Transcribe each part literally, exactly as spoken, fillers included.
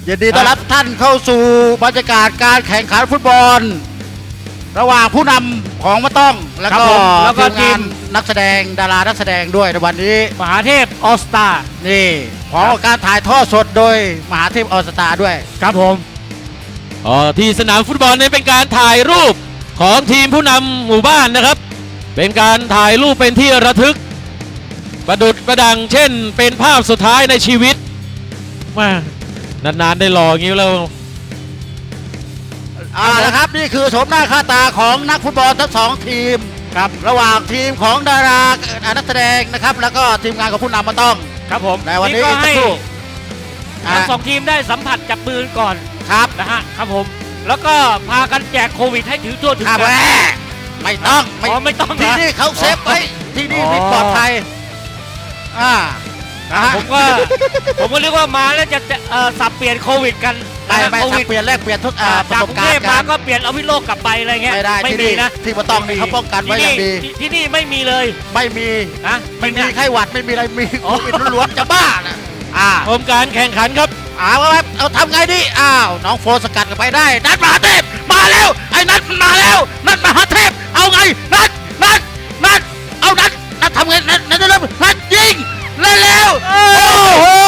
ยินดีต้อนรับท่านเข้าสู่บรรยากาศการแข่งขันฟุตบอลระหว่างผู้นำของมะต้องแล้วก็แล้วก็ทีมนักแสดงดารานักแสดงด้วยในวันนี้มหาเทพออสตานี่ของการถ่ายทอดสดโดยมหาเทพออสตาด้วยครับผมอ๋อที่สนามฟุตบอลนี้เป็นการถ่ายรูปของทีมผู้นำหมู่บ้านนะครับเป็นการถ่ายรูปเป็นที่ระทึกประดุจประดังเช่นเป็นภาพสุดท้ายในชีวิตมานานๆได้รออย่างนี้แล้วอ่านะครับนี่คือโฉมหน้าค่าตาของนักฟุตบอลทั้งสองทีมครับระหว่างทีมของดารานักแสดงนะครับแล้วก็ทีมงานของผู้นำมาต้องครับผมในวันนี้ก็ให้ทั้งสองทีมได้สัมผัสจับมือก่อนครับนะฮะครับผมแล้วก็พากันแจกโควิดให้ถือทั่วถึงกันไม่ต้องไม่ต้องที่นี่เขาเซฟไว้ที่นี่ปลอดภัยอ่าผมก็ผมก็เรียกว่ามาแล้วจะสับเปลี่ยนโควิดกันไม่ไม่สับเปลี่ยนแลกเปลี่ยนทุกประสบการณ์มาก็เปลี่ยนเอาวิโรจน์กลับไปอะไรเงี้ยไม่ได้ไม่มีนะที่มาต้องมีเขาป้องกันไว้อย่างดีที่นี่ไม่มีเลยไม่มีนะไม่มีไข้หวัดไม่มีอะไรมีโควิดล้วนๆจะบ้านะอ่าชมการแข่งขันครับอ้าวเอาทำไงดีอ้าวน้องโฟสกัดกันไปได้นัดมหาเทพมาแล้วไอ้นัดมาแล้วนัดมหาเทพเอาไงนัดนัดนัดเอานัดนัดทำไงนัดนัดเริ่มนัดยิงเร็วๆโอ้โห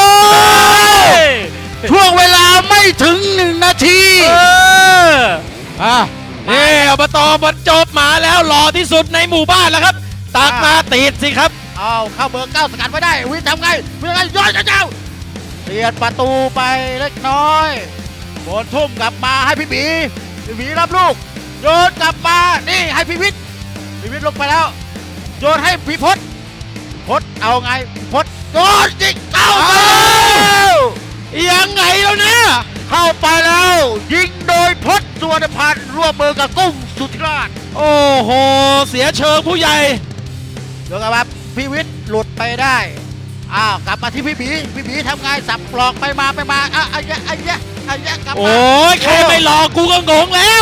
ช่วงเวลาไม่ถึงหนึ่งนาทีอ่านี่อบตบรรจบมาแล้วหล่อที่สุดในหมู่บ้านแล้วครับตักมาติดสิครับเอาเข้าเบอร์เก้าสกัดไว้ได้วิทย์ทำไงวิทย์ทำไงย้อนเจ้าเปลี่ยนประตูไปเล็กน้อยโดนทุ่มกลับมาให้พี่บีพี่บีรับลูกโยนกลับมานี่ให้พี่วิทย์พี่วิทย์ลงไปแล้วโยนให้พี่พศพศเอาไงพศโยนจิกเข้าไปแล้วยังไงแล้วเนี่ยเข้าไปแล้วยิงโดยพศสุวรรณพันธ์ร่วมมือกับกุ้งสุธิราชโอ้โหเสียเชิงผู้ใหญ่เดี๋ยวครับพี่วิทย์หลุดไปได้อ้าวกลับมาที่พี่บีพี่บีทำไงสับปลอกไปมาไปมาอ่ะไอ้ยะไอ้ยะไอ้ยะกลับมาโอ้ยใครไม่หลอกกูก็งงแล้ว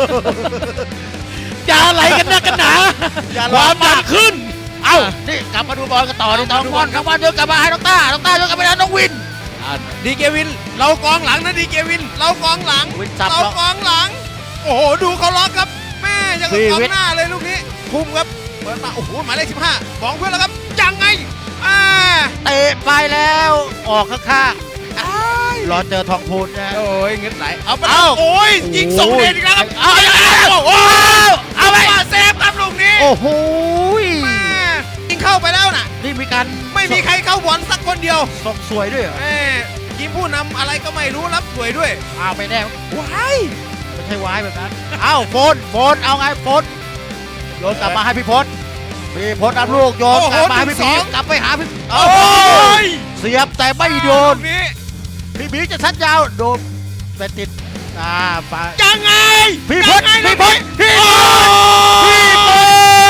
จะอะไรกันนะกันหนาความดันขึ้นเอ้านี่กลับมาดูบอลกันต่อดูน้องบอลครับว่าเดินกลับมาให้น้องต้าน้องต้าเดินกลับไปแล้วน้องวินดีเกวินเรากองหลังนะดีเกวินเรากองหลังเรากองหลังโอ้โหดูเขาล็อกครับแม่ยังกับกองหน้าเลยลูกนี้คุ้มครับเปิดมาโอ้โหหมายเลขสิบห้ามองเพื่อนแล้วครับยังไงอ่าเตะไปแล้วออกข้างๆรอเจอทองพูนนะโอ้ยเงินไหลเอาไปโอ้ยยิงส่งเด่นครับเอาโอ้เอาไปเซฟครับลูกนี้โอ้โหยิงเข้าไปแล้วน่ะนี่มีการไม่มีใครเข้าบอลสักคนเดียวส่งสวยด้วยทีมผู้นำอะไรก็ไม่รู้รับสวยด้วยอ้าวไปแน่ว้ายไม่ใช่ว้ายแบบนั้นอ้าวโฟนโฟนเอาไงโฟนโยนกลับมาให้พี่พศพี่พศรับลูกโยนกลับมาให้พี่บีกลับไปหาพี่โอ้ยเสียบแต่ไม่โดนพี่บีจะชัดยาวโดนไปติดอ่าไปยังไงพี่พศพี่พศพี่พศพี่พศ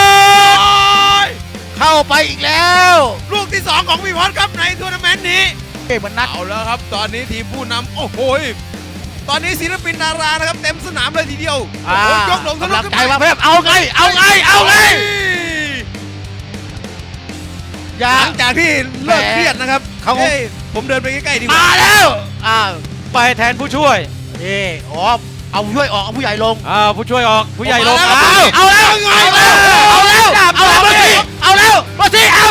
เข้าไปอีกแล้วลูกที่สองของพี่พศครับในทัวร์นาเมนต์นี้เอ้มันนัดเอาแล้วครับตอนนี้ทีมผู้นำโอ้โหตอนนี้ศิลปินดารานะครับเต็มสนามเลยทีเดียวโอ้โหยกหลงทะลุกำลังใจมาเพิ่มเอาไงเอาไงเอาไงหลังจากที่เลิกเครียดนะครับเขาผมเดินไปใกล้ๆดีกว่ามาแล้วอ้าวไปแทนผู้ช่วยนี่อ๋อเอาผู้ช่วยออกเอาผู้ใหญ่ลงอ่าผู้ช่วยออกผู้ใหญ่ลงเอาเอาแล้วเอาแล้วเอาแล้วเอาแล้วเอาแล้วมาสิเอา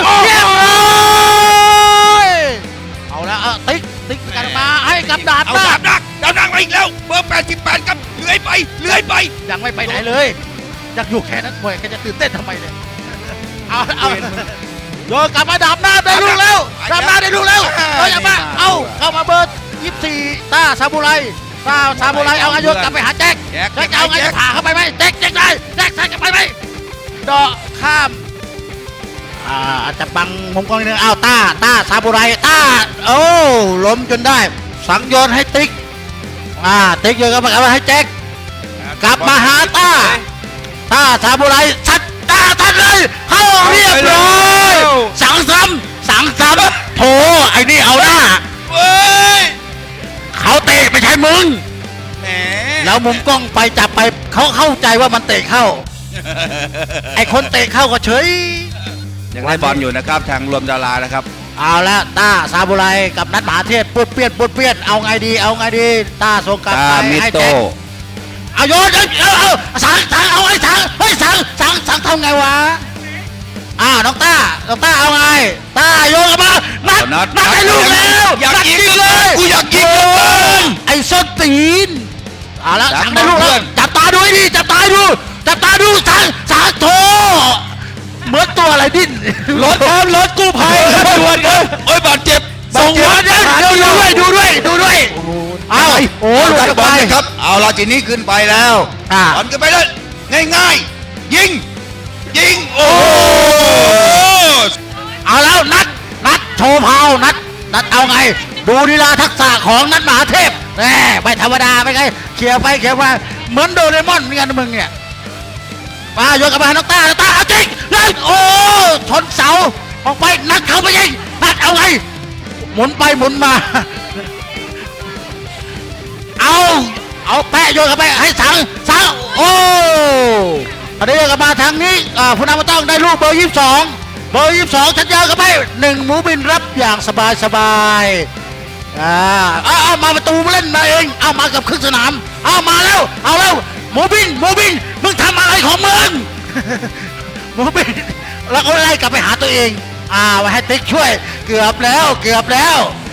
เอาแล้วติ๊กติ๊กกันมาให้กับดาบเอาดาบดักดาบดักมาอีกแล้วเบอร์แปดสิบแปดครับเลื้อยไปเลื้อยไปยังไม่ไปไหนเลยอยากอยู่แค่นั้นมวยแกจะตื่นเต้นทำไมเนี่ยเอาเอาโยนกลับมาดับหน้าได้ลูกแล้วดับหน้าได้ลูกแล้วเอาอย่ามาเอาเข้ามาเบอร์ยี่สิบสี่ต้าซาบูไรต้าซาบูไรเอาอายุกลับไปหาแจ็คแจ็คเอาไงจะผ่าเข้าไปไหมแจ็คแจ็คได้แจ็คใส่กลับไปไหมเดาะข้ามอ่าอาจจะบังมุมกล้องนิดนึงอ้าวต้าต้าซาบูไรต้าโอ้ล้มจนได้สังโยนให้ติ๊กอ่าติ๊กโยนกลับมาให้แจ็คกลับมาหาต้าต้าซาบูไรชัดต้าทันเลยเข้าเรียบร้อยสังซ้ำสังซ้ำโถไอ้นี่เอาหน้าเฮ้ยเขาเตะไม่ใช่มึงแหมแล้วมุมกล้องไปจับไปเขาเข้าใจว่ามันเตะเข้าไอ้คนเตะเข้าก็เฉยยังได้บอลอยู่นะครับทางรวมดารานะครับเอาละต้าซาบุไรกับนัดมหาเทพปุดเปี้ยนปุดเปี้ยนเอาไงดีเอาไงดีต้าส่งกลับตาไปมิให้โตแจ็คเอาโยนเอาเอาเอาสังสังเอาไอ้สังเฮ้ยสังสังสังทำไงวะอ้าวน้องต้าน้องต้าเอาไงต้าโยนกลับมานัดเอานัดนัดได้ลูกแล้วอยากนัดยิงเลยกูอยากยิงเหลือเกินไอ้ส้นตีนเอาละจับสังได้ลูกเพื่แล้อวน จับตาดูให้ดีจับตาดูจับตาดูสังสังโถเหมือนตัวอะไรดิ้นรถครับรถกู้ภัยครับด่วนครับโอ้ยบาดเจ็บส่งเดี๋ยววัดเดี๋ยวหาเดี๋ยวดูด้วยดูด้วยดูด้วยเอาโอ้เอาหลุดดันออกบอไปลนะครับ เอาละทีนี้ขึ้นไปแล้วอ่าบอลขึ้นไปเลยง่ายๆ ยิง ยิง โอ้โหเอาแล้วนัดนัดโชว์เผานัดนัดเอาไง ดูลีลาทักษะของนัดมหาเทพแหมไม่ธรรมดาไม่ไงเขี่ยไปเขี่ยมาเหมือนโดเรมอนเหมือนกันนะมึงเนี่ยมาโยนกลับมาน้องต้าน้องต้าเอาจริงเลยโอ้ชนเสาออกไปนัดเข้าไปยิงนัดเอาไงหมุนไปหมุนมา เอาเอาแปะโยนกลับไปให้สังสังโอ้อันนี้โยนกลับมาทางนี้อ่าผู้นำมาต้องได้ลูกเบอร์ยี่สิบสองเบอร์ยี่สิบสองชัดยาวกลับไปหนึ่งหมูบินรับอย่างสบายสบายอ่าเอาเอามาประตูมาเล่นมาเองเอามากับครึ่งสนามเอามาแล้วเอาแล้วหมูบินหมูบินมึงทำอะไรของมึง หมูบินแล้วก็ไล่กลับไปหาตัวเองอ่าไว้ให้ติ๊กช่วยเกือบแล้วเกือบแล้ว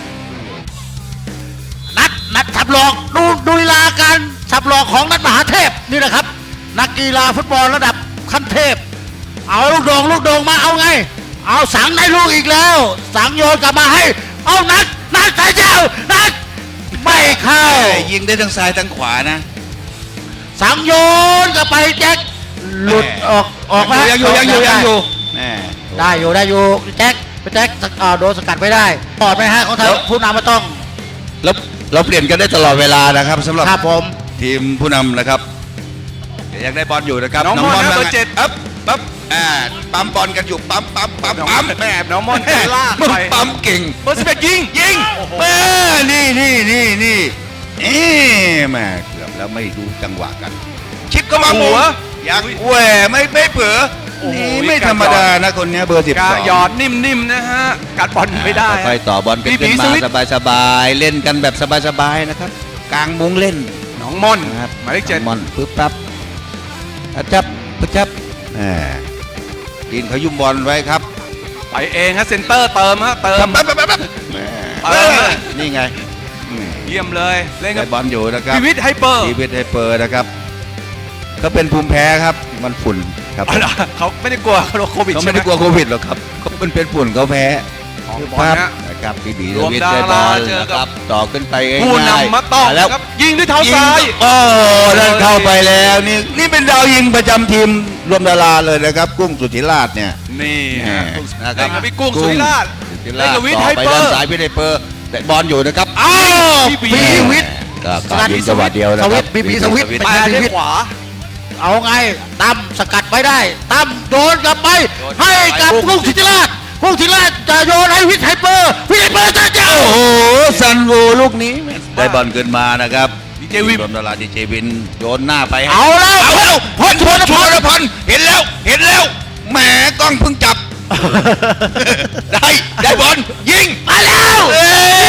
นัดนัดสับหลอกดูดูลีลาการสับหลอกของนัดมหาเทพนี่แหละครับ นักกีฬาฟุตบอลระดับขั้นเทพ เอาลูกโด่งลูกโด่งมาเอาไง เอาสังได้ลูกอีกแล้ว สังโยนกลับมาให้ เอานัดนัดสายเจ้านัดไม่เข้ายิงได้ทั้งซ้ายทั้งขวานะสังโยนกลับไปแจ็คหลุดออกออกมายังอยู่ยังอยู่ยังอยู่แม่ได้อยู่ได้อยู่แจ็คไปแจ็คอ่าโดนสกัดไม่ได้ปลอดไหมฮะของทางผู้นำมาต้องแล้วเราเปลี่ยนกันได้ตลอดเวลานะครับสำหรับครับผมทีมผู้นำนะครับยังได้บอลอยู่นะครับน้องม่อนครับเบอร์เจ็ดปั๊บปั๊บอ่าปั๊มบอลกันอยู่ปั๊มปั๊มปั๊มปั๊มแม่น้องม่อนจะลากมึงไปปั๊มเก่งเบอร์สิบเอ็ดยิงยิงแม่นี่นี่นี่นี่เอ๊ะแม่เกือบแล้วไม่ดูจังหวะกัน ชิปก็มาหัวอยากแหวไม่ไม่เผลอโอ้โหนี่ไม่ธรรมดานะคนเนี้ยเบอร์สิบกาสองหยอดนิ่มๆนะฮะกัดบอลไม่ได้ไปต่อบอลกันบีบีขึ้นสมาวิตสบายสบายๆเล่นกันแบบสบายสบายๆนะครับ กลางมุ้งเล่นน้องม่อนนะครับหมายเลขเจ็ดมอนปึ๊บปั๊บอะจับปึ๊บจับแหมกินเขายุ่มบอลไว้ครับไปเองฮะเซนเตอร์เติมฮะเติมปั๊บปั๊บปั๊บปั๊บแหมเออนี่ไงแหมเยี่ยมเลยเล่นกัได้บบอลอยู่นะครับพีวิทย์ไฮเปอร์ชีวิตไฮเปอร์นะครับก็เป็นภูมิแพ้ครับมันฝุ่นครับอ๋อเหรอเขาไม่ได้กลัวเขาโควิดเขาใช่ไม่ไหมได้กลัวโควิดหรอกครับเขาเป็นเป็นฝุ่นเขาแพ้ของคือบอลภาพนะนะครับบีบีรวมวิทดาย์ราได้บอลเจอนะกับครับต่อขึ้นไปง่ายๆผู้นำมาต้องแล้วครับยิงด้วยเท้ายิงซ้ายโอ้นั่นเข้าไปแล้วนี่นี่เป็นดาวยิงประจำทีมรวมดาราเลยนะครับ กุ้งสุธิราชเนี่ยนี่แหมฮะนะคเล่รับนกับพี่กุ้งสุริราชสุธิเล่นกับวิทย์ต่อไฮไปเปอด้านร์ซ้ายวิทย์ไฮเปอร์แต่บอลอยู่นะครับอ้าวพี่บีบีวิทย์ก็การยิงจังหวะเดียวนะสควิรัตช์บีบีสวิตช์ไปด้วยขวาเอาไงตั้มสกัดไว้ได้ตั้มโดนกลับไป ให้กับกุ้งศิริราชกุ้งศิริราชจะโยนให้วิทย์ไฮเปอร์วิทย์ไฮเปอร์จะเจ้าโอ้โหซันโวลูกนี้ได้บอลขึ้นมานะครับดีเจวินรวมดาราดีเจวินโยนหน้าไปให้เอาแล้วเอาแล้วพลชวนชพวนลพันธ์เห็นแล้วเห็นแล้วแหมกล้องเพิ่งจับ ได้ได้บอลยิงมาแล้วเอ้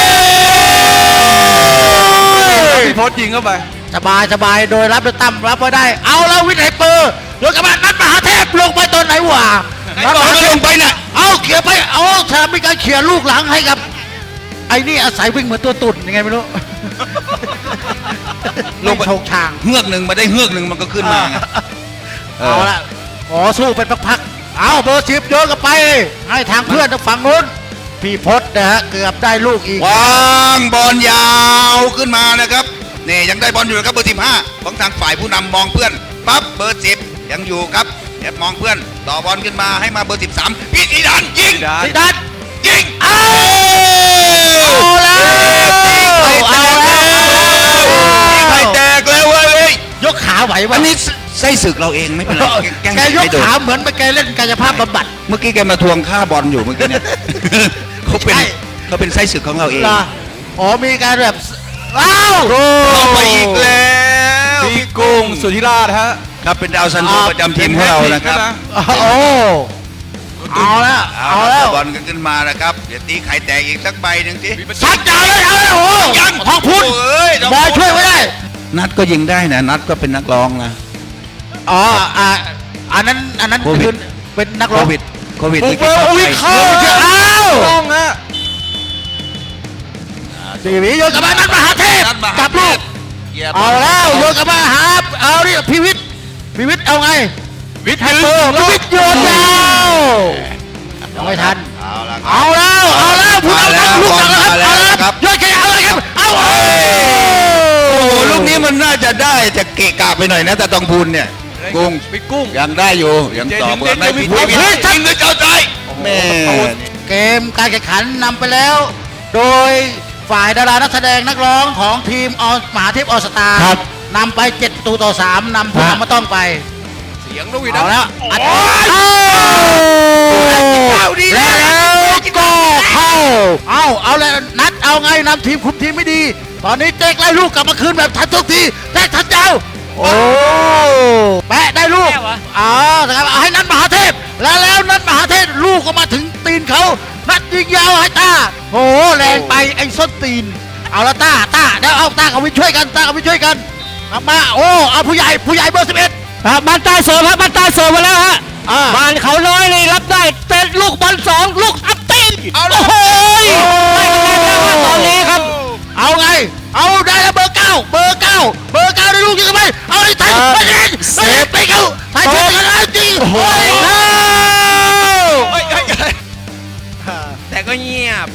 ยพี่พศยิงเข้าไปสบายสบายโดยรับโดยตั้มรับไว้ได้ เอาแล้ววิทย์ไฮเปอร์โดยกระบะนัดมหาเทพลงไปตอนไหนวะไหนบอกให้ลงไปน่ะเอาเขี่ยไปเอาถ้ามีการเขี่ยลูกหลังให้กับ ไอ้นี่อาศัยวิ่งเหมือนตัวตุ่นยังไงไม่รู้ลงไปไม่โชงชางเฮือกหนึ่งมาได้เฮือกหนึ่งมันก็ขึ้นมาไงเอาละขอสู้เป็นพักๆเอาเบอร์สิบโยนกลับไป ให้ทางเพื่อนทางฝั่งนู้นพี่พศนะฮะเกือบได้ลูกอีกวางบอลยาวขึ้นมานะครับนี่ยังได้บอลอยู่นะครับเบอร์สิบห้าของทางฝ่ายผู้นำมองเพื่อนปั๊บเบอร์สิบยังอยู่ครับแอบมองเพื่อนต่อบอลขึ้นมาให้มาเบอร์สิบสามพิธีดันยิงได้สิดันยิงเอาแล้วเอาแล้วไข่แตกแล้วเว้ยยกขาไหวอัวะนนี้ไส้ศึกเราเองไม่เป็นไรแกล้งแกยกให้โดนขาเหมือนไปแกเล่นกายภาพบำบัดเมื่อกี้แกมาทวงค่าบอลอยู่เมื่อกี้เนี่ย เขาเป็นใช่เขาเป็นไส้ศึกของเราเองเหรออ๋อมีการแบบอ้าวเข้าไปอีกแล้วพี่กุ้งสุธิราชฮะครับเป็นดาวซันโวประจำทีมของเรานะครับโอ้เอาแล้วเอาเอาแล้แล้ว วบอลกันขึ้นมานะครับเดี๋ยวตีไข่แตกอีกสักใบหนึ่งทีชัดยาวเลยเอาเลยโอ้โหยังทองพูนเอ้ยทองบพูนอยช่วยไว้ได้นัดก็ยิงได้นะนัดก็เป็นนักร้องนะอ๋ออ่าอันนั้นอันนั้นโควิดคือเป็นนักโคร้องวิดโควิดบุกเบิกโควิดเข้าอ้าวต้องฮะสีหวีโยนกลับมานัดมหาเทพนัดมหากับลูกเหยียบเอาแล้วโยนกลับมาหาเอาดิพิวิทย์พิวิทย์เอาไงวิทย์แฮมเบอร์พิวิทย์โยนยาวยังไม่ทันเอาละครับเอาแล้วเอาแล้วผู้นำต้องลูกหนักแล้วมาแล้วเอาแล้วครับโยนแค่เอาเลยครับเอาโอ้โอ้โหลูกนี้มันน่าจะได้จะเกะกะไปหน่อยนะแต่ตองพูนเนี่ยกุ้งไปกุ้งยังได้อยู่ยังต่อเบอร์ไม่ผิดไม่ผิดยิงด้วยเจ้าใจแม่เกมการแข่งขันนำไปแล้ว โดยฝ่ายดารานักแสดงนักร้องของทีมออมหาเทพออสตาครับนำไปเจ็ดประตูต่อสามนำผู้ครับนำมาต้องไปเสียงนกหวีดเอาแล้วอัดโอ้ยเอาแล้วก็เข้า เอาเอาแล้วนัดเอาไงนำทีมคุมทีมไม่ดี ตอนนี้เจ๊กไล่ลูกกลับมาคืนแบบทันทุกทีแจ๊กทันเจ้า โอ้แปะได้ลูกแก้วเหรออ๋อนะครับเอาให้นัดมหาเทพ แล้วแล้วนัดมหาเทพลูกก็มาถึงตีนเขานัดยิงยาวให้ต้าโอ้แรงไปไอ้ส้นตีน เอาละต้าต้าเดี๋ยวเอาต้ากับวินช่วยกันต้ากับวินช่วยกันกลับมาโอ้เอาผู้ใหญ่ผู้ใหญ่เบอร์สิบเอ็ดครับบ้านใต้เสิร์ฟครับบ้านใต้เสิร์ฟมาแล้วฮะอ่าบ้านเขาน้อยเลยรับได้เตะลูกบอลสองลูกอัพตีนเอาเลโอ้ยโหได้คะแนนแล้วครับตอนนี้ครับเอาไง เอาได้แล้วเบอร์เก้าเบอร์เก้าเบอร์เก้าได้ลูกยิงกันไปเอาไอ้ไทยไปเองเซฟไปเขาไทยเซฟกันแล้วจริงโอ้ยเฮ้ยเฮ้ยเฮ้ยแต่ก็เงียบ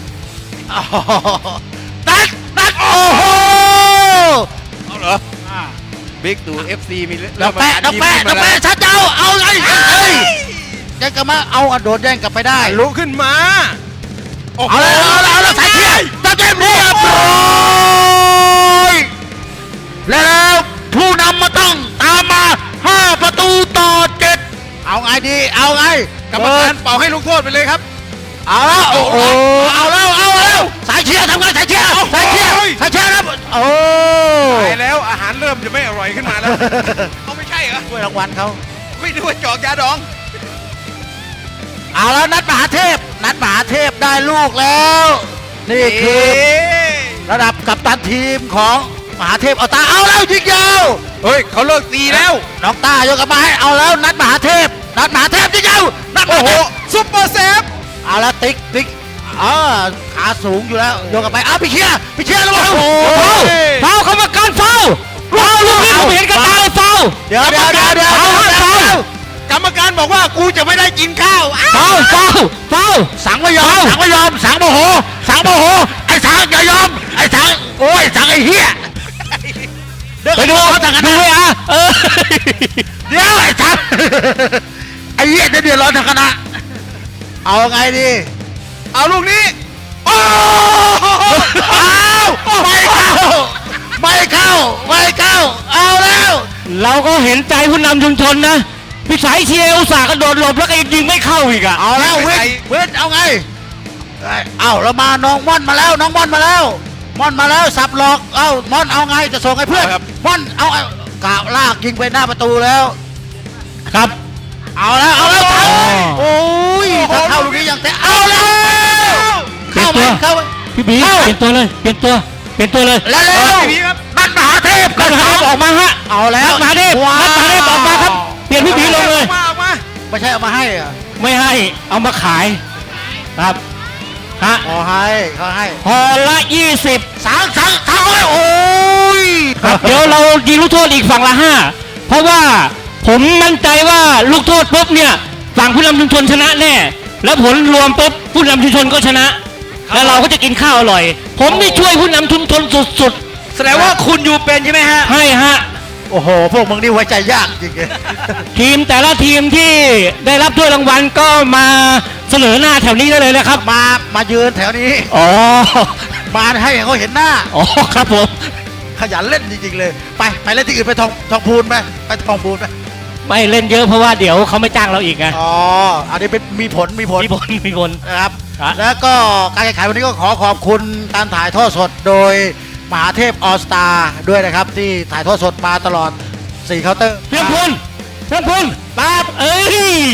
นักนักโอ้โหเอาเหรอบิ๊กดู เอฟ ซี มีเรื่องดอกแปะดอกแปะดอกแปะชัดเจ้าเอาไงเฮ้ยแย่งกันมาเอาอะโดดแย่งกลับไปได้ลุกขึ้นมาโอ้โหเอาเลยเอาเลยเอาเลยใส่เทียนตะเต็มเรียบร้อยแล้วผู้นำมาต้องตามมาห้าประตูต่อเจ็ดเอาไงดีเอาไงกรรมการเป่าให้ลูกโทษไปเลยครับเอาแล้วโอ้โหเอาแล้วเอาแล้วสายเชียร์ทำไงสายเชียร์สายเชียร์สายเชียร์ครับโอ้ตายแล้วอาหารเริ่มจะไม่อร่อยขึ้นมาแล้ว เอาไม่ใช่เหรอถ้วยรางวัลเขาไม่ดูว่าจอกยาดองเอาแล้วนัดมหาเทพ นัดมหาเทพได้ลูกแล้ว นี่คือระดับกัปตันทีมของมหาเทพเอาตาเอาแล้วยิงยาวเฮ้ยเขาเลิกตีแล้วน้องตายกกลับมาให้เอาแล้วนัดมหาเทพ นัดมหาเทพยิงยาวนัดมโอ้หาโหเทพซุปเปอร์เซฟเอาแล้วติ๊กติ๊กอ่าขาสูงอยู่แล้วโยกกลับไปอ้าวพี่เชียร์พี่เชียร์แล้วโอ้โหเฝ้าเขามาการเฝ้าเฝ้าลูกนี้ผมเห็นกับตาเลยเฝ้าเดี๋ยวเดี๋ยวเดี๋ยวเดี๋ยวเอาฮะเฝ้ากรรมการบอกว่ากูจะไม่ได้กินข้าวอ้าวเฝ้าเฝ้าเฝ้าสังไม่ยอมสังไม่ยอมสังโมโหสังโมโหไอ้สังอย่ายอมไอ้สังโอ้ยสังไอ้เหี้ยเดินไปดูเขาทางกันดูนะเลยอ่ะเออเดี๋ยวไอ้สังไอ้เหี้ยจะเดือดร้อนทางคณะเอาไงดีเอาลูกนี้โอ้เอาไม่เข้าไม่เข้าไม่เข้าเอาแล้วเราก็เห็นใจผู้นำชุมชนนะพี่สายเชียร์อุตส่าห์กระโดดหลบแล้วก็ยิงไม่เข้าอีกอ่ะเอาแล้วเวทเวทเอาไงเอาเรามาน้องม่อนมาแล้วน้องม่อนมาแล้วม่อนมาแล้วสับหลอกเอาม่อนเอาไงจะส่งให้เพื่อนม่อนเอาเอากาวลากยิงไปหน้าประตูแล้วครับเอาแล้วเอาแล้วเข้าโอ้ยถ้าเข้าลูกนี้ยังแต่เอาแล้วเข้าไหมเข้าไหมพี่บีเปลี่ยนตัวเลยเปลี่ยนตัวเปลี่ยนตัวเลยแล้วแล้วพี่บีครับนัดมหาเทพนักมหาเทพออกมาฮะเอาแล้วนักมหาเทพว้าวนักมหาเทพออกมาครับเปลี่ยนพี่บีลงเลยออกมาออกมาไม่ใช่เอามาให้อะไม่ให้เอามาขายครับฮะขอให้เขาให้พอละยี่สิบสังสังสังโอ้ยครับเดี๋ยวเรายิงลูกโทษอีกฝั่งละห้าเพราะว่าผมมั่นใจว่าลูกโทษปุ๊บเนี่ยฝั่งผู้นำชุมชนชนะแน่แล้วผลรวมปุ๊บผู้นำชุมชนก็ชนะ แล้วเราก็จะกินข้าวอร่อย ผมนี่ช่วยผู้นำชุมชนสุดแสดงว่าคุณอยู่เป็นใช่ไหมฮะๆให้ฮะโอ้โหพวกมึงนี่ไว้ใจยากจริงเลยทีมแต่ละทีมที่ได้รับถ้วยรางวัลก็มาเสนอหน้าแถวนี้ได้เลยนะครับมามายืนแถวนี้อ๋อมาให้เขาเห็นหน้าอ๋อครับผมขยันเล่นจริงๆเลย ไปไปเล่นที่อื่นไปทองทองพูนไปไปทองพูนไปไม่เล่นเยอะเพราะว่าเดี๋ยวเขาไม่จ้างเราอีกไงอ๋ออันนี้เป็นมีผลมีผลมีผลมีผลนะครับครับแล้วก็การแข่งขันวันนี้ก็ขอขอบคุณการถ่ายทอดสดโดยมหาเทพออสตาด้วยนะครับ ที่ถ่ายทอดสดมาตลอดสี่เคาน์เตอร์เพื่อนพลเพื่อนพลปั๊บเอ้ย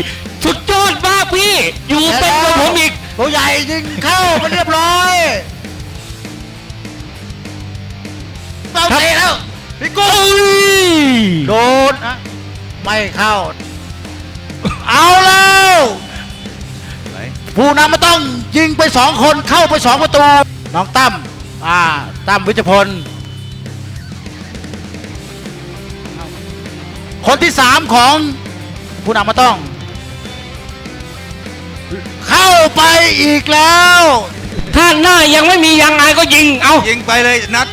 สุดยอดมากพี่ อยู่เป็นกับผมอีกตัวใหญ่ยิงเข้ามันเรียบร้อยเราเตะแล้วพี่กุ้งโดนนะไม่เข้า เอาแล้วผู้นำมาต้องยิงไปสองคนเข้าไปสองประตู น้องตั้มอ่าตั้มวิจพล คนที่สามของผู้นำมาต้อง เข้าไปอีกแล้วถ้าหน้ายังไม่มียางอายก็ยิง เอายิงไปเลยนัด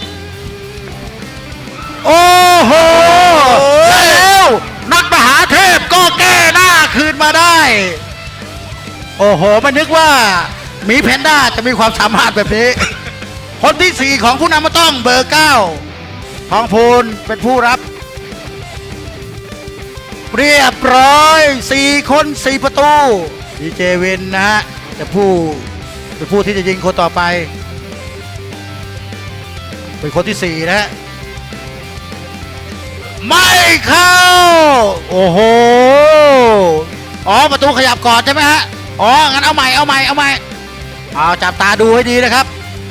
โอ้โหแล้วนักมหาเทพก็แก้หน้าคืนมาได้ โอ้โหไม่นึกว่าหมีแพนด้าจะมีความสามารถแบบนี้ คนที่สี่ของผู้นำมาต้องเบอร์เก้าทองพูนเป็นผู้รับ เรียบร้อยสี่คนสี่ประตูดีเจวินนะฮะจะผู้เป็นผู้ที่จะยิงคนต่อไป เป็นคนที่สี่นะฮะไม่เข้า โอ้โหอ๋อประตูขยับก่อนใช่ไหมฮะอ๋องั้นเอาใหม่เอาใหม่เอาใหม่เอาจับตาดูให้ดีนะครับ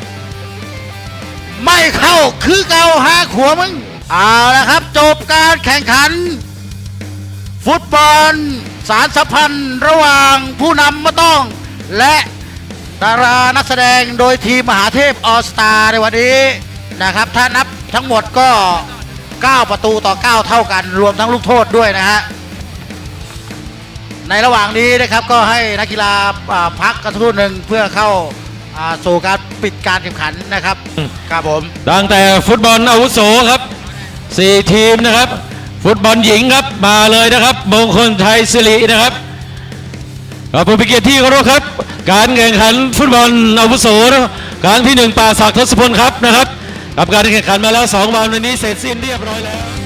ไม่เข้าคือเกาหาขัวมึงเอาละครับจบการแข่งขัน ฟุตบอลสารสัมพันธ์ระหว่างผู้นำมาต้อง และดารานักแสดงโดยทีมมหาเทพออสตาในวันนี้นะครับถ้านับทั้งหมดก็เก้าประตูต่อเก้าเท่ากันรวมทั้งลูกโทษด้วยนะฮะในระหว่างนี้นะครับก็ให้นักกีฬาอ่าพักกันสักครู่หนึ่งเพื่อเข้าอ่าสู่การปิดการแข่งขันนะครับครับผมตั้งแต่ฟุตบอลอาวุโสครับสี่ทีมนะครับ ฟุตบอลหญิงครับมาเลยนะครับมงคลไทยสิรินะครับเราผู้พิเกียรติที่เคารพครับ การแข่งขันฟุตบอลอาวุโสครั้งที่หนึ่งป่าศักดิ์ทศพลครับนะครับกับการแข่งขันมาแล้วสองวันวันนี้เสร็จสิ้นเรียบร้อยแล้ว